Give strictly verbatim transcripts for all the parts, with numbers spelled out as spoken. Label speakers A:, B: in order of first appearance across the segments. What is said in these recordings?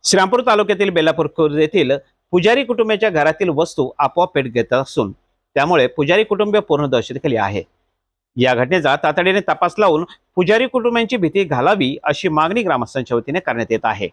A: श्रीरामपूर तालुक्यातील बेलापूर खुर्द येथील पुजारी कुटुंबाच्या घरातील वस्तू आपोआप पेट घेत असून त्यामुळे पुजारी कुटुंबीय पूर्ण दहशतीखाली आहे। या घटनेचा तातडीने तपास लावून पुजारी कुटुंबांची भीती घालावी अशी मागणी ग्रामस्थांच्या वतीने करण्यात येत आहे।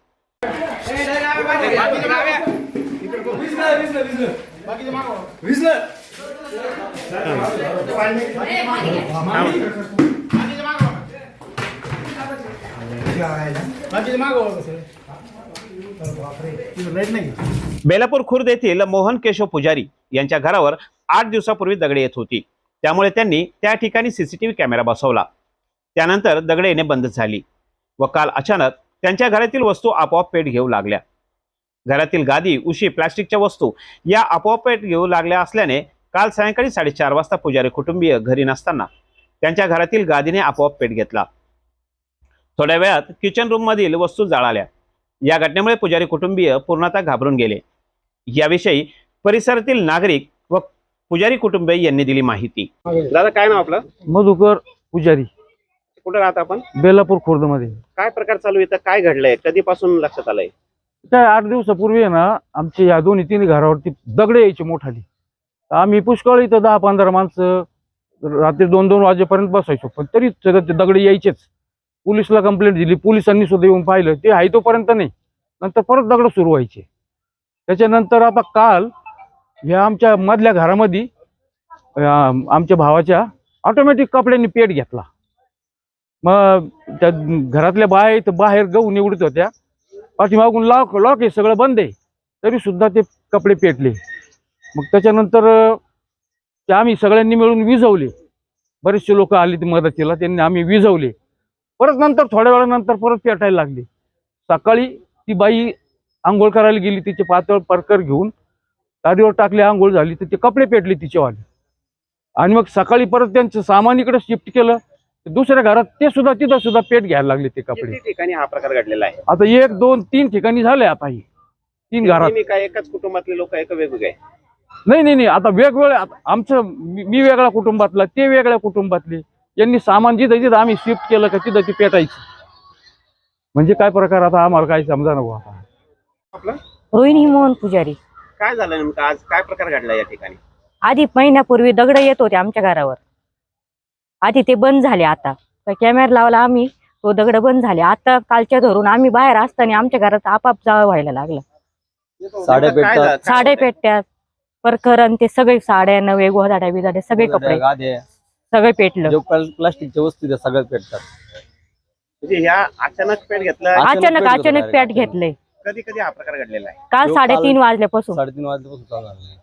A: बेलापूर खुर्द येथील मोहन केशव पुजारी यांच्या घरावर आठ दिवसापूर्वी दगडे येत होती, त्यामुळे त्यांनी त्या ठिकाणी सीसीटीव्ही कॅमेरा बसवला। त्यानंतर दगडे येणे बंद झाली व काल अचानक त्यांच्या घरातील वस्तू आपोआप पेट घेऊ लागल्या। घरातील गादी, उशी, प्लास्टिकच्या वस्तू या आपोआप पेट घेऊ लागल्या असल्याने काल सायंकाळी साडेचार वाजता पुजारी कुटुंबीय घरी नसताना त्यांच्या घरातील गादीने आपोआप पेट घेतला। थोड्या वेळात किचन रूम मधील वस्तू जळाल्या। या घटनेमुळे पुजारी कुटुंबीय पूर्णतः घाबरून गेले। याविषयी परिसरातील नागरिक व पुजारी कुटुंबीय यांनी दिली माहिती। दादा, काय नाव आपलं?
B: मधुकर पुजारी।
A: कुठे राहता आपण?
B: बेलापूर खुर्द मध्ये।
A: काय प्रकार चालू आहे? काय घडलंय? कधीपासून लक्षात आलंय?
B: काय आठ दिवसापूर्वी आहे ना, आमच्या या दोन्ही तीन घरावरती दगडे यायची मोठाली। आम्ही पुष्कळ इथं दहा पंधरा माणसं रात्री दोन दोन वाजेपर्यंत बसायचो, पण तरी ते दगडे यायचेच। पोलिसला कंप्लेंट दिली, पोलिसांनी सुद्धा येऊन पाहिलं, ते आहे तोपर्यंत नाही, नंतर परत दगड सुरू व्हायचे। त्याच्यानंतर आता काल ह्या आमच्या मधल्या घरामध्ये आमच्या भावाच्या ऑटोमॅटिक कपड्यांनी पेट घेतला। मग त्या घरातल्या बाया इथं बाहेर गहू निवडत होत्या, पाठीमागून लॉक लॉक आहे, सगळं बंद आहे, तरी सुद्धा ते कपडे पेटले। मग त्याच्यानंतर ते आम्ही सगळ्यांनी मिळून विझवले। बरेचसे लोक आले ते मदतीला, त्यांनी आम्ही विझवले। परत नंतर थोड्या वेळानंतर परत पेटायला लागली। सकाळी ती बाई आंघोळ करायला गेली, तिचे पातळ परकर घेऊन गाडीवर टाकले, आंघोळ झाली तर ते कपडे पेटले तिचेवाले। आणि मग सकाळी परत त्यांचं सामान इकडे शिफ्ट केलं, दुसऱ्या घरात ते सुद्धा तिथं सुद्धा पेट घ्यायला लागले ते कपडे।
A: ठिकाणी हा प्रकार घडलेला आहे?
B: आता एक दोन तीन ठिकाणी झाले। आता ही तीन घरात
A: काय एकाच कुटुंबातले लोक एक वेगवेगळे?
B: नाही नाही नाही, आता वेगवेगळे। आमचं मी वेगळ्या कुटुंबातला, ते वेगळ्या कुटुंबातले, यांनी सामान जिथं जिथं आम्ही शिफ्ट केलं का तिथं ती पेटायची। म्हणजे काय प्रकार आता आम्हाला काही समजा नको। आता
A: आपलं
C: रोहिणी मोहन पुजारी।
A: काय झालं नेमकं आज? काय प्रकार घडला या ठिकाणी?
C: आधी महिन्यापूर्वी दगड येत होते आमच्या घरावर, आधी ते बंद झाले। आता कॅमेरा लावला आम्ही, तो दगड बंद झाले। आता कालच्या धरून आम्ही बाहेर असताना आमच्या घरात आपाप जाळ व्हायला लागलं।
A: साड्या पेटतात,
C: साड्या पेटत्यात, परकरण ते सगळे साड्या नवे गोधाड्या बिधाड्या सगळे कपडे सगळे पेटलं।
B: प्लास्टिकच्या वस्तू त्या सगळ्यात पेटतात।
A: म्हणजे ह्या अचानक पेट घेतला?
C: अचानक अचानक पेट घेतले।
A: कधी कधी हा प्रकार घडलेला आहे?
C: काल साडेतीन वाजल्यापासून
B: साडेतीन वाजल्यापासून चालू आहे।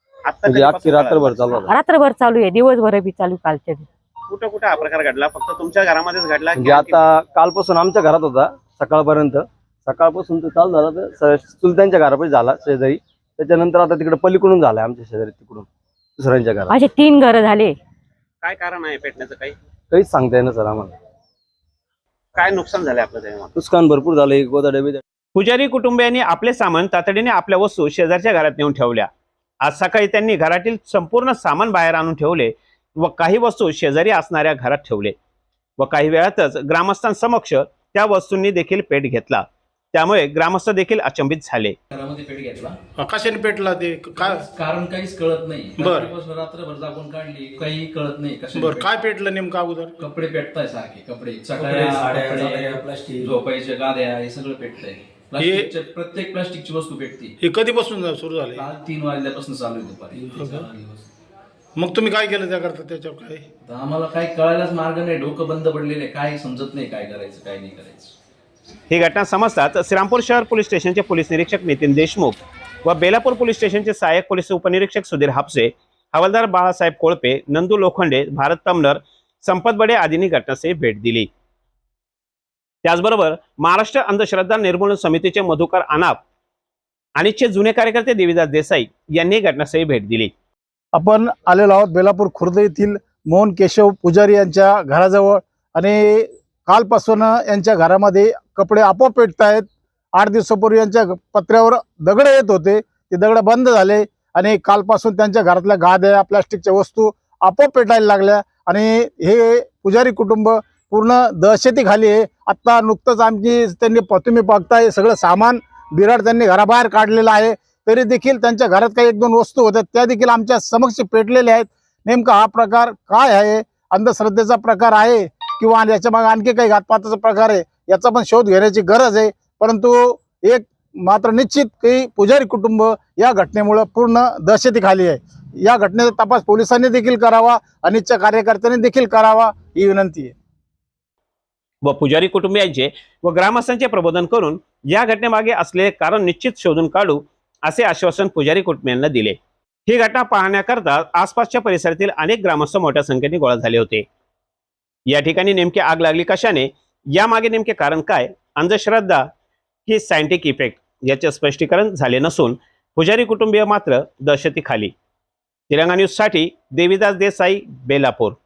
A: आता
B: रात्रभर चालू आहे,
C: रात्रभर चालू आहे, दिवसभर बी चालू। कालच्या
A: कुठं कुठं हा प्रकार घडला? फक्त तुमच्या घरामध्येच घडला?
D: म्हणजे आता कालपासून आमच्या घरात होता सकाळपर्यंत, सकाळपासून तो चालू झाला तर चुलत्यांच्या घरापाशी झाला शेजारी, त्याच्यानंतर आता तिकडे पलीकडून झालाय आमच्या शेजारी, तिकडून दुसऱ्यांच्या घरात।
C: असे तीन घर झाले।
A: काय कारण आहे पेटण्याचं? काही
D: काहीच सांगता येणार सर आम्हाला।
A: काय नुकसान झालंय आपलं? तेव्हा
D: नुकसान भरपूर झालंय, गोदाड्या बिदाड्या।
A: पुजारी कुटुंबियांनी आपले सामान तातडीने आपल्या वस्तू शेजारच्या घरात नेऊन ठेवल्या। आज सकाळी त्यांनी घरातील संपूर्ण सामान बाहेर आणून ठेवले व काही वस्तू शेजारी असणाऱ्या घरात ठेवले व काही वेळातच ग्रामस्थांसमक्ष त्या वस्तूंनी देखील पेट घेतला। त्यामुळे ग्रामस्थ देखील अचंबित झाले।
E: घरामध्ये पेट घेतला,
F: कशाने पेटला ते? काय
E: कारण काहीच कळत नाही।
F: बर,
E: रात्रभर जागून काढली, काही कळत नाही कशा।
F: बर, काय पेटलं नेमकं अगोदर?
E: कपडे पेटताय सारखे, कपडे, साड्या, प्लास्टिक, झोपायच्या गाद्या, हे सगळं पेटतंय। प्लास्टिकच्या प्रत्येक प्लास्टिकची वस्तू पेटती।
F: हे कधीपासून सुरू झाले?
E: काल तीन वाजल्यापासून चालू आहे दुपारी।
F: मग तुम्ही काय केलं त्याकरता? त्याच्यावर काय
E: तर आम्हाला काही कळायलाच मार्ग नाही, डोकं बंद पडलेले, काय समजत नाही काय करायचं काय नाही करायचं।
A: ही घटना समजताच श्रीरामपूर शहर पोलीस स्टेशनचे पोलीस निरीक्षक नितीन देशमुख व बेलापूर पोलीस स्टेशनचे सहाय्यक पोलीस उपनिरीक्षक सुधीर हापसे, हवालदार बाळासाहेब कोळपे, नंदू लोखंडे, भारत तमनर, संपत बडे आदींनी घटनास्थळी भेट दिली। त्याचबरोबर महाराष्ट्र अंधश्रद्धा निर्मूलन समितीचे मधुकर अनाप आणि चे जुने कार्यकर्ते देवीदास देसाई यांनी घटनास्थळी भेट दिली।
G: आपण आलेलो आहोत बेलापूर खुर्द येथील मोहन केशव पुजारी यांच्या घराजवळ, आणि कालपासून यांच्या घरामध्ये कपडे आपोआप पेटत आहेत। आठ दिवसापूर्वी यांच्या पत्र्यावर दगड येत होते, ते दगड बंद झाले आणि कालपासून त्यांच्या घरातल्या गाद्या, प्लास्टिकच्या वस्तू आपोआप पेटायला लागल्या आणि हे पुजारी कुटुंब पूर्ण दहशतीखाली आहे। आता नुकतंच आमची त्यांनी तुम्ही बघताय सगळं सामान बिराड त्यांनी घराबाहेर काढलेला आहे. तरी देखील त्यांच्या घरात काही एक दोन वस्तू होत्या त्या देखील आमच्या समक्ष पेटलेल्या आहेत. नेमका हा प्रकार काय आहे, अंधश्रद्धेचा प्रकार आहे किंवा याच्या मागे आणखी काही घातपाताचा प्रकार आहे, याचा पण शोध घेण्याची गरज आहे. परंतु एक मात्र निश्चित की पुजारी कुटुंब या घटनेमुळे पूर्ण दहशतीखाली आहे. या घटनेचा तपास पोलिसांनी देखील करावा, अनिच्छा कार्यकर्त्यांनी देखील करावा ही विनंती आहे.
A: व पुजारी कुटुंबियांचे व ग्रामस्थांचे प्रबोधन करून या घटनेमागे असलेले कारण निश्चित शोधून काढू असे आश्वासन पुजारी कुटुंबियांना दिले. ही घटना पाहण्याकरता आसपासच्या परिसरातील अनेक ग्रामस्थ मोठ्या संख्येने गोळा झाले होते. या ठिकाणी नेमकी आग लागली कशाने, यामागे नेमके कारण काय, अंधश्रद्धा ही सायंटिफिक इफेक्ट याचे स्पष्टीकरण झाले नसून पुजारी कुटुंबीय मात्र दहशतीखाली. तेलंगणा न्यूज साठी देविदास देसाई, बेलापूर.